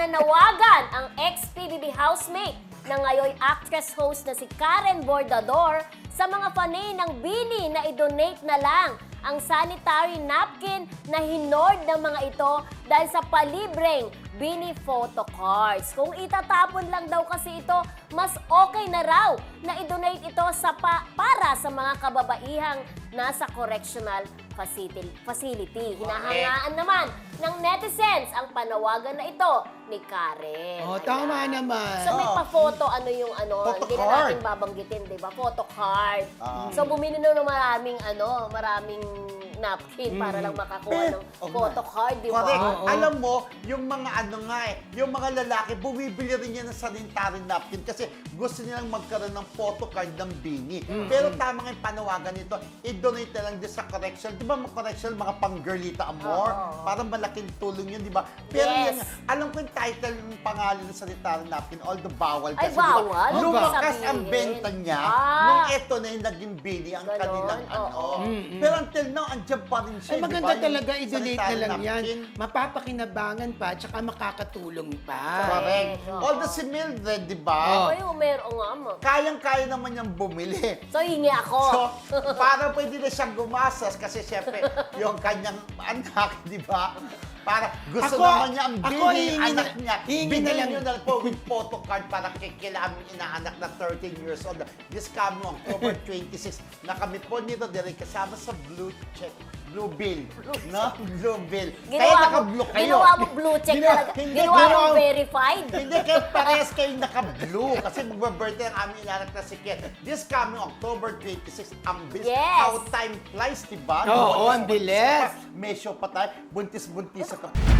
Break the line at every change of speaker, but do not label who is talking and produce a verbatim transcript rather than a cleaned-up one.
Nananawagan ang ex-P B B housemate na ngayon actress-host na si Karen Bordador sa mga fanay ng Bini na i-donate na lang ang sanitary napkin na hinord ng mga ito dahil sa palibreng Bini photo cards. Kung itatapon lang daw kasi ito, mas okay na raw na i-donate ito sa pa para sa mga kababaihang nasa correctional facility. facility. Hinahangaan naman ng netizens ang panawagan na ito ni Karen.
Oh,
Ayan.
tama naman.
So may
Oh.
pa-photo, ano yung ano,
Photo
hindi na
card.
natin babanggitin, di ba? Photo card.
Ah.
So bumili na ng maraming ano, maraming napkin para lang makakuha
Pero,
ng
oh,
photo card, di ba?
Correct.
Oo.
Alam mo, yung mga ano nga eh, yung mga lalaki, bumibili rin yan ng sanitary napkin kasi gusto nilang magkaroon ng photo card ng Bini. Pero tama nga yung panawagan nito, i-donate na lang din sa correction. Di ba mga correction, mga pang-girlita amor?
Oo.
Parang malaking tulong yun, di ba? Pero
Yes.
yan, alam ko yung title ng pangalan ng sanitary napkin, although bawal
Ay,
kasi, di ba?
bawal?
Lumakas
Sabihin.
ang benta niya
Ah.
nung eto na yung naging Bini ang
Ganon,
kanilang ano.
oo.
Pero until now, andyan pa rin siya.
Ay,
di
maganda
ba? Yung
talaga, i-donate na
sanitary
lang yan.
napkin.
Mapapakinabangan pa, tsaka makakatulong pa.
Correct.
Oo.
Although si Mildred, di ba?
Oh.
Ay, meron nga mo.
Kayang-kaya naman niyang bumili.
So, hingi ako.
So, para pwede na siyang gumastos kasi syempre, yung kanyang anak, di ba? Para gusto
Ako-
naman niya ang
ako
bili,
hihingi
anak
na-
niya.
hihingi na
Bigyan
lang.
niyo na po with photo card para kikila aming inaanak na thirteen years old. This coming October twenty-six, na kami po nito din kasama sa Blue Check. Blue Bill. No? Blue Bill. Kaya
Ginawa mo,
naka-blue kayo.
ginawa mo blue check
Ginawa-
talaga.
hindi,
Ginawa mo
ginawa-
verified.
Hindi, kayo parehas kayong naka-blue kasi magbe-birthday ang aming inanak na si Ken. This coming October twenty-six, ang bilis.
Yes.
How time flies, diba?
Oo, ang bilis.
May show pa tayo. Buntis-buntis sa